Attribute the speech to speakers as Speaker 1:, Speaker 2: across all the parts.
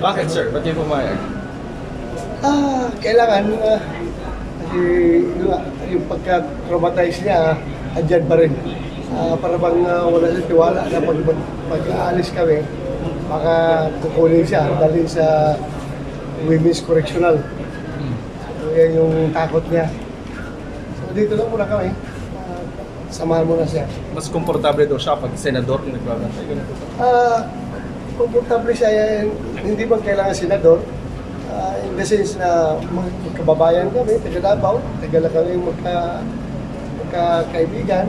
Speaker 1: Bakit sir? Ba't di pumayag?
Speaker 2: Kailangan, kasi yung pagka-traumatize niya, andyan pa rin. Para bang wala siyang tiwala na pag-aalis kami, baka kukunin siya, dali sa Women's Correctional. So, yan yung takot niya. So, dito lang muna kami. Samahan mo na siya.
Speaker 1: Mas komportable daw siya pag senador yung nagbabantay. Ganun po ba?
Speaker 2: Komportable siya, hindi man kailangan senador. In the sense na magkababayan kami, taga Davao, taga lang kami magkakaibigan.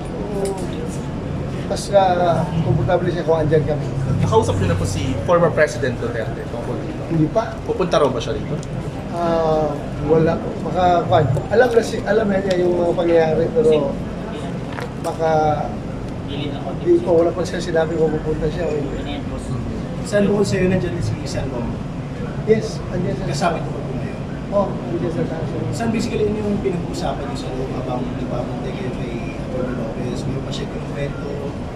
Speaker 2: Mas komportable siya kung andyan kami.
Speaker 1: Nakausap niyo na po si former President Duterte tungkol dito.
Speaker 2: Hindi pa.
Speaker 1: Pupunta raw ba siya dito?
Speaker 2: Wala. Alam na niya yung mga pangyayari, pero baka hindi ko, wala pa siya sinabi kung pupunta siya o hindi.
Speaker 3: Saan bukod sa'yo nandiyan si Salvo?
Speaker 2: Yes, andyan siya.
Speaker 3: Kasama ito po ngayon.
Speaker 2: Andyan sa taas.
Speaker 3: Saan basically yun yung pinag-uusapan niyo sa loob habang nagbabantay kayo kay Atty. Lopez? May pa siya kinukwento?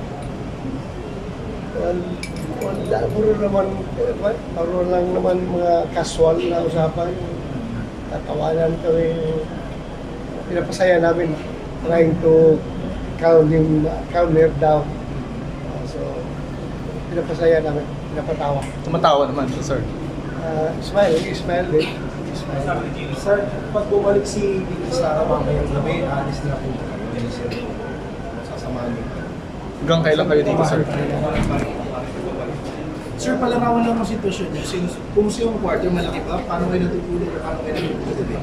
Speaker 2: Puro lang naman mga casual na usapan. Tatawanan kami. Pinapasaya namin, trying to calm her down. So, pinapasaya namin, pinapatawa.
Speaker 1: Tumatawa naman siya sir.
Speaker 2: Smile din.
Speaker 3: Sir, pag bumalik si Sara mamayang gabi, alis na po. Sasamahan niyo.
Speaker 1: Hanggang kailan kayo dito sir?
Speaker 3: Sir, palarawan lang ang sitwasyon niyo. Since kumusta yung quarter, malaki ba? Paano kayo natutulog? Paano kayo natutulog?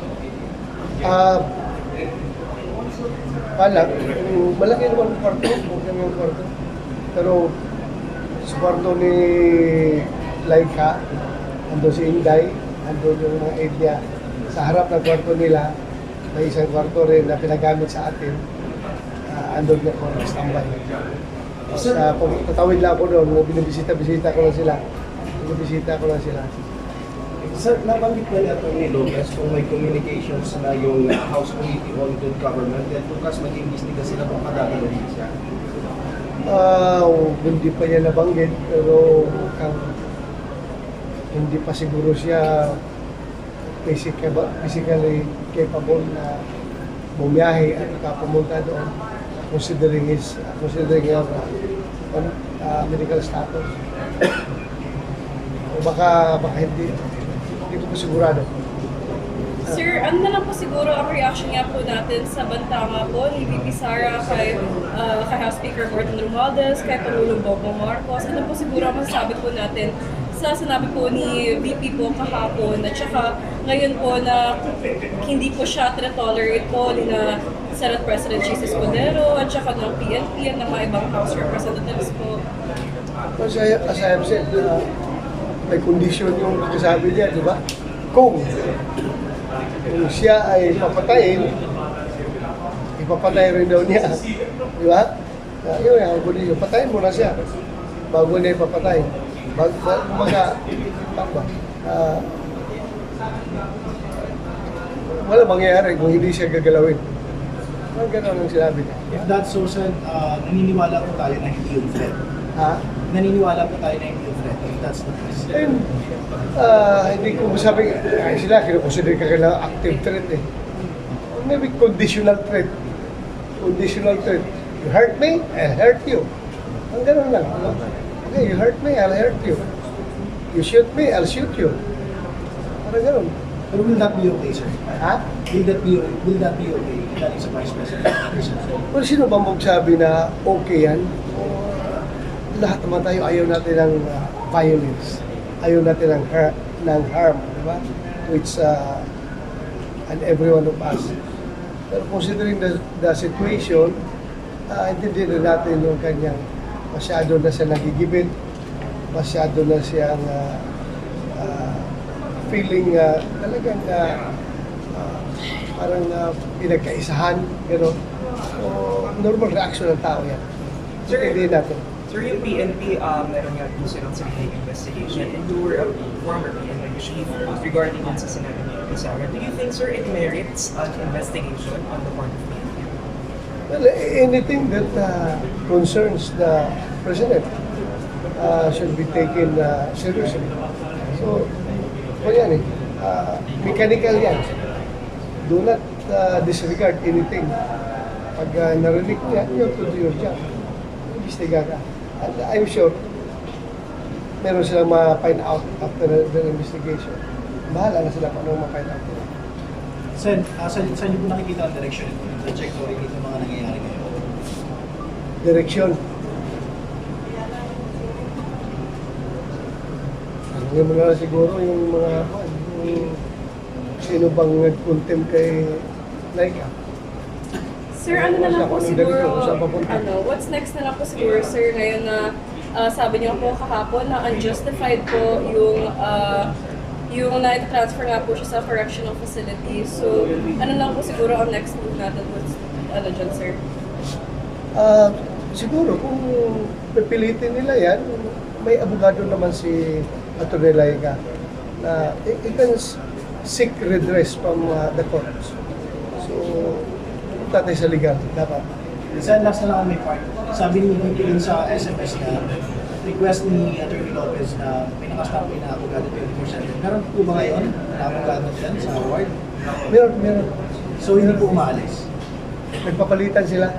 Speaker 2: Malaki naman ang kwarto, malaki naman ang kwarto. Pero sa kwarto ni Laika, ando si Inday, ando yung mga aide niya. Sa harap ng kwarto nila, may isang kwarto rin na pinagamit sa atin. Ando na ko, standby. Tapos tatawid lang ako doon, binibisita-bisita ko lang sila. Binibisita ko lang sila.
Speaker 3: Sir, nabanggit na ni Atty. Lopez kung may communications na yung House Committee on Good Government at bukas mag-imbestiga sila kung kadadalawin siya.
Speaker 2: Hindi pa niya nabanggit, pero hindi pa siguro siya physically capable na bumiyahe at pumunta doon, considering your medical status. O baka hindi ko pa sigurado.
Speaker 4: Sir, ano na lang po siguro ang reaction nga po natin sa bantanga po ni VP Sara kay House Speaker Gordon Romualdez, kay Pangulong Bongbong Marcos. Ano po siguro ang masasabi po natin sa sinabi po ni VP po kahapon at saka ngayon po na hindi po siya tolerate po ni na Senate President Jesus Escudero at saka ng PNP at ng mga ibang House Representatives po.
Speaker 2: As I have said, may condition yung kasabi niya, di ba? Kung siya ay papatayin, ipapatay rin daw niya. Di ba? Yun ang condition. Patayin mo na siya bago niya ipapatay. Wala mangyayari kung hindi siya gagalawin. Ang gano'n ang sinabi niya.
Speaker 3: If that's so, sir, naniniwala po tayo na hindi yung threat. Naniniwala po tayo na hindi yung threat. If that's the case.
Speaker 2: And, hindi ko masabi, sila kinukonsider ka kailangan active threat eh. Maybe conditional threat. Conditional threat. You hurt me, I'll hurt you. Ang ganun lang. Okay, you hurt me, I'll hurt you. You shoot me, I'll shoot you. Parang ganun.
Speaker 3: But will that be okay, sir?
Speaker 2: Ha?
Speaker 3: Will that be okay? That is a Vice President.
Speaker 2: Well, sino ba magsabi na okay yan? Lahat naman tayo ayaw natin ng violence. Ayaw natin ng harm, di ba? Which, and every one of us. Pero considering the situation, intindihin natin yung kanyang masyado na siya nagigibit, masyado na siyang feeling talagang parang pinagkaisahan, gano'n. So, normal reaction ng tao yan. So, hindi natin.
Speaker 5: Sir, yung PNP, meron nga po silang sariling investigation and you were a former PNP chief regarding on sa sinabi ni Sara. Do you think, sir, it merits an investigation on the part of PNP?
Speaker 2: Well, anything that concerns the President should be taken seriously. So, o yan mechanical yan. Do not disregard anything. Pag narinig mo yan, you have to do your job. Imbestiga ka. And I'm sure, meron silang ma-find out after the investigation. Bahala na sila kung anong ma-find out.
Speaker 6: Sen, saan niyo po nakikita ang direction ito? Yung trajectory dito mga nangyayari ngayon?
Speaker 2: Direksyon. Ano mo na siguro yung mga yung sino bang nag-contempt kay Laika.
Speaker 4: Sir, ano na lang po
Speaker 2: Kung
Speaker 4: siguro,
Speaker 2: kung saan papunta.
Speaker 4: what's next na lang po siguro, sir, ngayon na sabi niyo po kahapon na unjustified po yung na-transfer nga po siya sa correctional facility. So, ano lang po siguro ang next move natin? What's, dyan, sir?
Speaker 2: Siguro kung pipilitin nila yan, may abogado naman si Atty. Laika na he can seek redress from the courts. So, punta tayo sa legal, dapat.
Speaker 6: Sen, last na lang ang may part. Sabi ni Nicky sa SMS na request ni Atty. Lopez na may nakastop na abogado 24/7. Meron po ba ngayon na abogado dyan sa award?
Speaker 2: Meron.
Speaker 6: So hindi po umaalis?
Speaker 2: Nagpapalitan sila.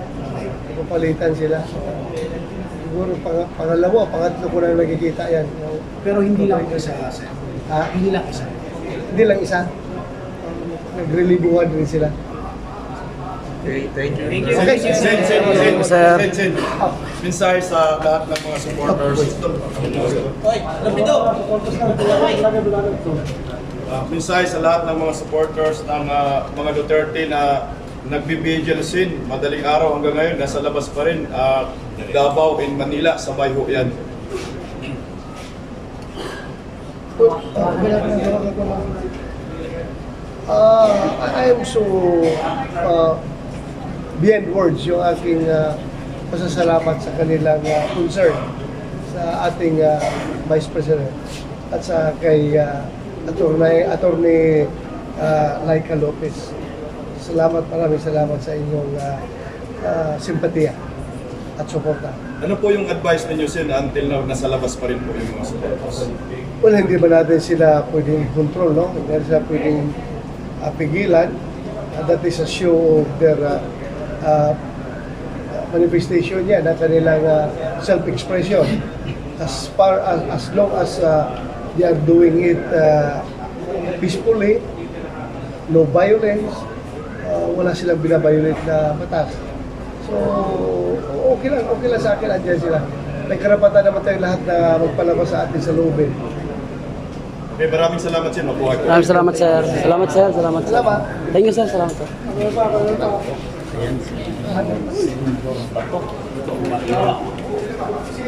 Speaker 2: Siguro pangalawa, pangatlo ko na nakikita yan.
Speaker 6: Pero hindi lang isa, Sen. Hindi lang isa.
Speaker 2: Hindi lang isa. Nagrelibuhan rin sila.
Speaker 1: Thank you.
Speaker 2: Okay.
Speaker 7: Sen. Mensahe sa lahat ng mga supporters. Mensahe sa lahat ng mga supporters ng mga Duterte na nagbibigil sin madaling araw hanggang ngayon nasa labas pa rin Davao in Manila sabay ho yan.
Speaker 2: I am so beyond words yung aking pasasalamat sa kanilang concern sa ating Vice President at sa kay Attorney Laika Lopez. Maraming salamat sa inyong simpatiya at suporta.
Speaker 7: Ano po yung advice ninyo sin until now nasa labas pa rin po yung mga supporters?
Speaker 2: Well, hindi ba natin sila pwedeng control, no? Hindi sila pwedeng pigilan. That is a show of their manifestation yan, na kanilang self-expression. As long as they are doing it peacefully, no violence, wala silang binabiolate na batas. So, okay lang sa akin, andyan sila. May karapatan naman tayong lahat na magpalabas sa atin sa loobin.
Speaker 7: Okay, maraming salamat sin. Mabuhay po.
Speaker 8: Maraming salamat, sir. Salamat, sir. Salamat.
Speaker 2: Salamat.
Speaker 8: Thank you, sir. Salamat, sir.
Speaker 2: Ano pa?